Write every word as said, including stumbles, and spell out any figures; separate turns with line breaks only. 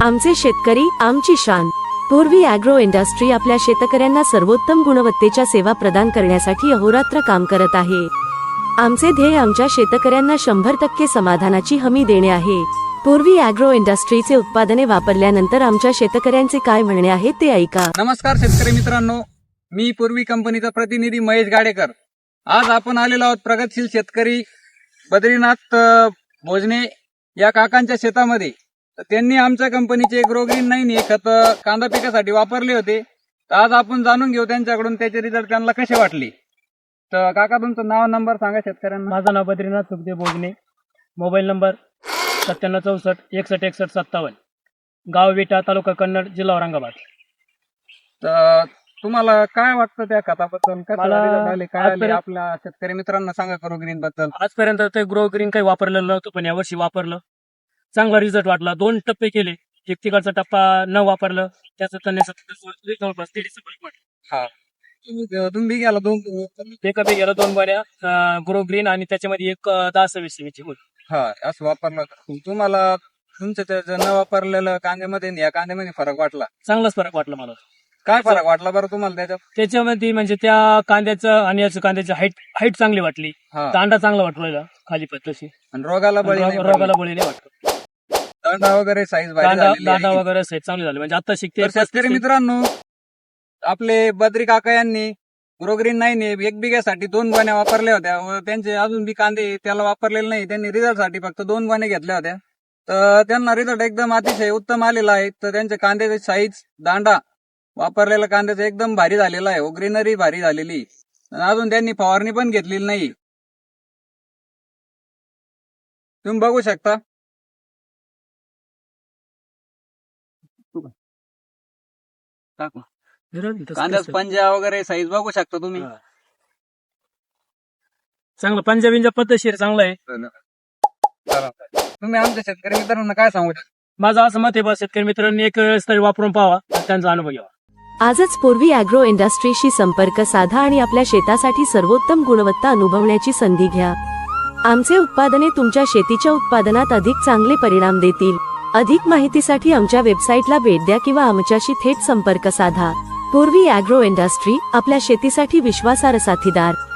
आमचे शेतकरी आमची शान। पूर्वी ॲग्रो इंडस्ट्री आपल्या शेतकऱ्यांना सर्वोत्तम गुणवत्तेच्या सेवा प्रदान करण्यासाठी अहोरात्र काम करत आहे। आमचे ध्येय आमच्या शेतकऱ्यांना शंभर टक्के समाधानाची हमी देणे आहे। पूर्वी ॲग्रो इंडस्ट्रीचे उत्पादने वापरल्यानंतर आमच्या शेतकऱ्यांचे काय म्हणणे आहे ते ऐका।
नमस्कार शेतकरी मित्रांनो, मी पूर्वी कंपनीचा प्रतिनिधी महेश गाडेकर। आज आपण आलेलो आहोत प्रगतशील शेतकरी बद्रीनाथ भोजने या काकांच्या शेतामध्ये। तर त्यांनी आमच्या कंपनीचे ग्रो ग्रीन नाईन हे खत कांदा पिकासाठी वापरले होते। तर आज आपण जाणून घेऊ त्यांच्याकडून त्याचे रिझल्ट त्यांना कसे वाटले। तर काका तुमचं नाव नंबर सांगा शेतकऱ्यांना।
माझं नाव बद्रीनाथ सुखदेव भोजने, मोबाईल नंबर सत्त्याण्णव चौसष्ट एकसष्ट एकसष्ट सत्तावन्न, गाव विटा, तालुका कन्नड, जिल्हा औरंगाबाद।
तर तुम्हाला काय वाटतं त्या खताबद्दल?
मला
काय आले आपल्या शेतकरी मित्रांना सांगा ग्रो ग्रीन बद्दल।
आजपर्यंत ते ग्रो ग्रीन काही वापरलेलं नव्हतं, पण यावर्षी वापरलं, चांगला रिझल्ट वाटला। दोन टप्पे केले, एक तिकडचा टप्पा न वापरलं त्याचा जवळपास दीडशे फरक वाटला।
हा तुम्ही गेला दोन
ते कधी गेलं दोन बऱ्या ग्रो ग्रीन आणि त्याच्यामध्ये एक दहा सव्वीस होती।
हा असं वापरलं तुम्हाला तुमच्या त्या न वापरलेलं कांद्यामध्ये या कांद्यामध्ये फरक वाटला?
चांगलाच फरक वाटला मला।
काय फरक वाटला बरं तुम्हाला त्याच्यात?
त्याच्यामध्ये म्हणजे त्या कांद्याचं आणि याचं कांद्याची हाईट हाईट चांगली वाटली, दांडा चांगला वाटला खाली पत्तशी,
आणि रोगाला बळी नाही
रोगाला बळी नाही वाटत।
दांडा वगैरे साईज
दांडा वगैरे साईज चांगली झाली, म्हणजे आता शिकते।
शेतकरी मित्रांनो, आपले बद्री काका यांनी ग्रो ग्रीन नाईन एक बिघ्यासाठी दोन गोण्या वापरल्या होत्या व त्यांचे अजून बी कांदे त्याला वापरलेले नाही। त्यांनी रिझल्ट साठी फक्त दोन गोण्या घेतल्या होत्या, तर त्यांना रिझल्ट एकदम अतिशय उत्तम आलेला आहे। तर त्यांच्या कांद्याची साईज, दांडा वापरलेला कांद्याचा एकदम भारी झालेला आहे, ग्रीनरी भारी झालेली। अजून त्यांनी फवारणी पण घेतलेली नाही, तुम्ही बघू शकता। कांद्याचा पंजा वगैरे साईज बघू शकता तुम्ही,
चांगलं पंजा बिंजा पद्धतशीर चांगलं आहे।
तुम्ही आमच्या शेतकरी मित्रांना काय सांगू शकता?
माझं असं मत आहे, बा शेतकरी मित्रांनी एक वेळेस तरी वापरून पाहावा, त्यांचा अनुभव घ्यावा।
आजच पूर्वी ॲग्रो इंडस्ट्रीशी संपर्क साधा आणि आपल्या शेतासाठी सर्वोत्तम गुणवत्ता अनुभवण्याची संधी घ्या। आमचे उत्पादने तुमच्या शेतीच्या उत्पादनात अधिक चांगले परिणाम देतील। अधिक माहितीसाठी आमच्या वेबसाईटला भेट द्या किंवा आमच्याशी थेट संपर्क साधा। पूर्वी ॲग्रो इंडस्ट्री, आपल्या शेतीसाठी विश्वासार्ह साथीदार।